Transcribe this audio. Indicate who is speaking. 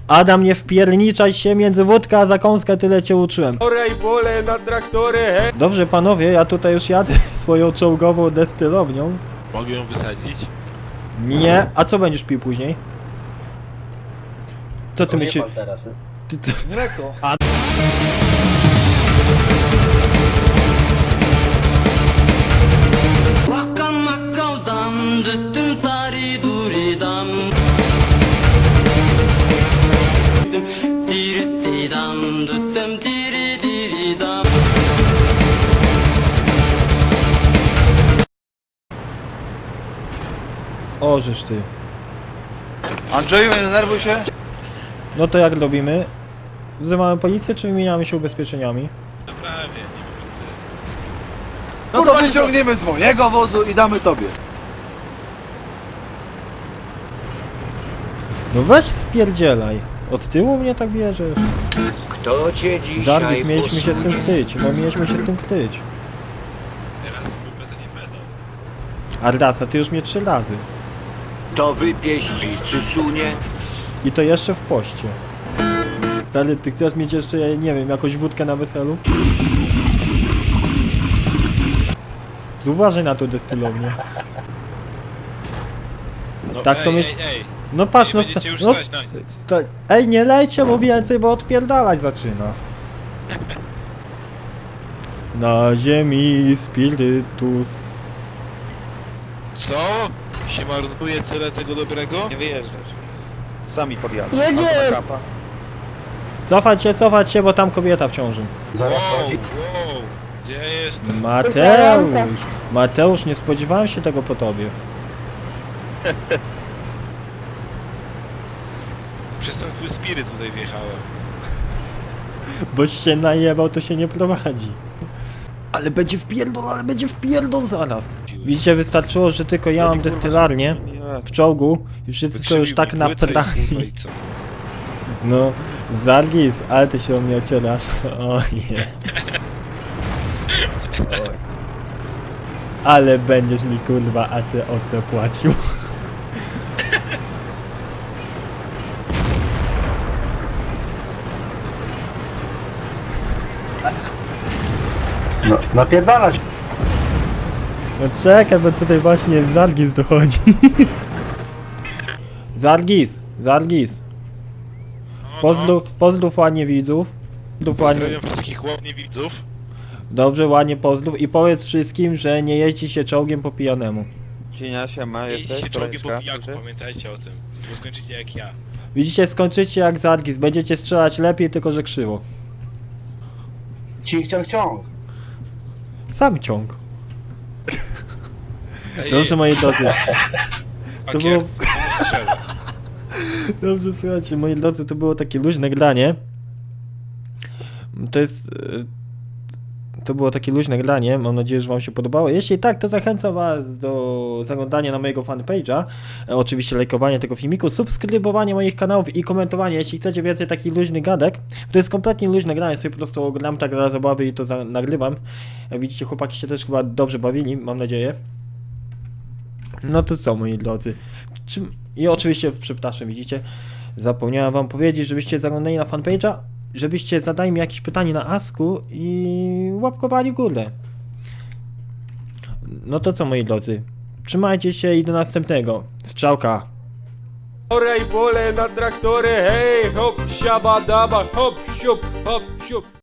Speaker 1: Adam, nie wpierniczaj się między wódkę a zakąskę, tyle cię uczyłem.
Speaker 2: Pole na traktory, he!
Speaker 1: Dobrze panowie, ja tutaj już jadę swoją czołgową destylownią.
Speaker 3: Mogę ją wysadzić?
Speaker 1: Nie, a co będziesz pił później? Co ty
Speaker 4: To nie
Speaker 1: myślisz?
Speaker 4: pal teraz,
Speaker 1: Ty, ty...
Speaker 2: Mleko.
Speaker 5: Wakam makam dam, düttüm tari duri dam. Diri diri dam, düttüm diri diri dam.
Speaker 1: O, żeż ty.
Speaker 6: Andrzeju, nie denerwuj się.
Speaker 1: No to jak robimy? Wzywamy policję, czy wymieniamy się ubezpieczeniami?
Speaker 3: Naprawię, nie wiem, chcę.
Speaker 6: No to wyciągniemy z mojego wozu i damy tobie.
Speaker 1: No weź spierdzielaj. Od tyłu mnie tak bierzesz.
Speaker 4: Kto cię dzisiaj
Speaker 1: Zargis, mieliśmy się z tym ktyć. No mieliśmy się z tym ktyć.
Speaker 3: Teraz w dupę to nie będą.
Speaker 1: A raz, a ty już mnie 3 razy.
Speaker 4: To wypieści cycunie.
Speaker 1: I to jeszcze w poście. Stary, ty chcesz mieć jeszcze, ja nie wiem, jakąś wódkę na weselu? Uważaj na to destylownię.
Speaker 3: No,
Speaker 1: Tak to
Speaker 3: ej,
Speaker 1: myśl-
Speaker 3: ej.
Speaker 1: No patrz, no...
Speaker 3: Będziecie już
Speaker 1: no
Speaker 3: stać na nic.
Speaker 1: to, ej, nie lejcie mu więcej, bo odpierdalać zaczyna. Na ziemi spirytus.
Speaker 3: Co? Się marnuje tyle tego dobrego?
Speaker 7: Nie wyjeżdżać. Sami podjadą.
Speaker 8: Jedzie!
Speaker 1: Cofać się, bo tam kobieta w ciąży.
Speaker 4: Zaraz
Speaker 3: Wow,
Speaker 4: chodzi.
Speaker 3: wow. Gdzie ja jestem?
Speaker 1: Mateusz! Mateusz, nie spodziewałem się tego po tobie.
Speaker 3: Przez ten twój spiryt tutaj wjechałem.
Speaker 1: Boś się najebał, to się nie prowadzi. Ale będzie wpierdol zaraz. Widzicie, wystarczyło, że tylko ja mam destylarnię w czołgu i wszyscy są już tak
Speaker 3: Wykrzywił mi płytę i
Speaker 1: naprani.
Speaker 3: kurwa, i co?
Speaker 1: No, Zargis, ale ty się o mnie ocierasz. O nie. Oj. Ale będziesz mi kurwa ACOC płacił.
Speaker 4: No, napierdalać.
Speaker 1: No czekaj, bo tutaj właśnie Zargis dochodzi. Zargis. Pozdrów ładnie widzów.
Speaker 3: Pozdrawiam wszystkich ładnie widzów.
Speaker 1: Dobrze, ładnie pozdrów i powiedz wszystkim, że nie jeździ się czołgiem po pijanemu.
Speaker 7: Cienia, siema,
Speaker 3: Jeździcie
Speaker 7: jesteś?
Speaker 3: czołgiem po
Speaker 7: Kolejeczka,
Speaker 3: pijaku,
Speaker 7: słyszy?
Speaker 3: pamiętajcie o tym. Bo skończycie jak ja.
Speaker 1: Widzicie, skończycie jak Zargis. Będziecie strzelać lepiej, tylko że krzywo.
Speaker 4: Ciąg.
Speaker 1: Sam ciąg.
Speaker 3: Ej,
Speaker 1: Dobrze, moi drodzy. To
Speaker 3: pakier,
Speaker 1: było...
Speaker 3: strzel.
Speaker 1: Dobrze, słuchajcie, moi drodzy, to było takie luźne granie. To jest... To było takie luźne granie, mam nadzieję, że wam się podobało. Jeśli tak, to zachęcam was do zaglądania na mojego fanpage'a, oczywiście lajkowania tego filmiku, subskrybowania moich kanałów i komentowania, jeśli chcecie więcej takich luźnych gadek. To jest kompletnie luźne granie, sobie po prostu oglądam tak dla zabawy i to nagrywam. Jak widzicie, chłopaki się też chyba dobrze bawili, mam nadzieję. No to co, moi drodzy. I oczywiście, przepraszam, widzicie, zapomniałem wam powiedzieć, żebyście zaglądali na fanpage'a, żebyście zadali mi jakieś pytanie na Asku i łapkowali w górę. No to co, moi drodzy, trzymajcie się i do następnego. Strzałka.
Speaker 2: Pole na traktory, hej! Hop, siabadaba, hop, siup, hop, siup.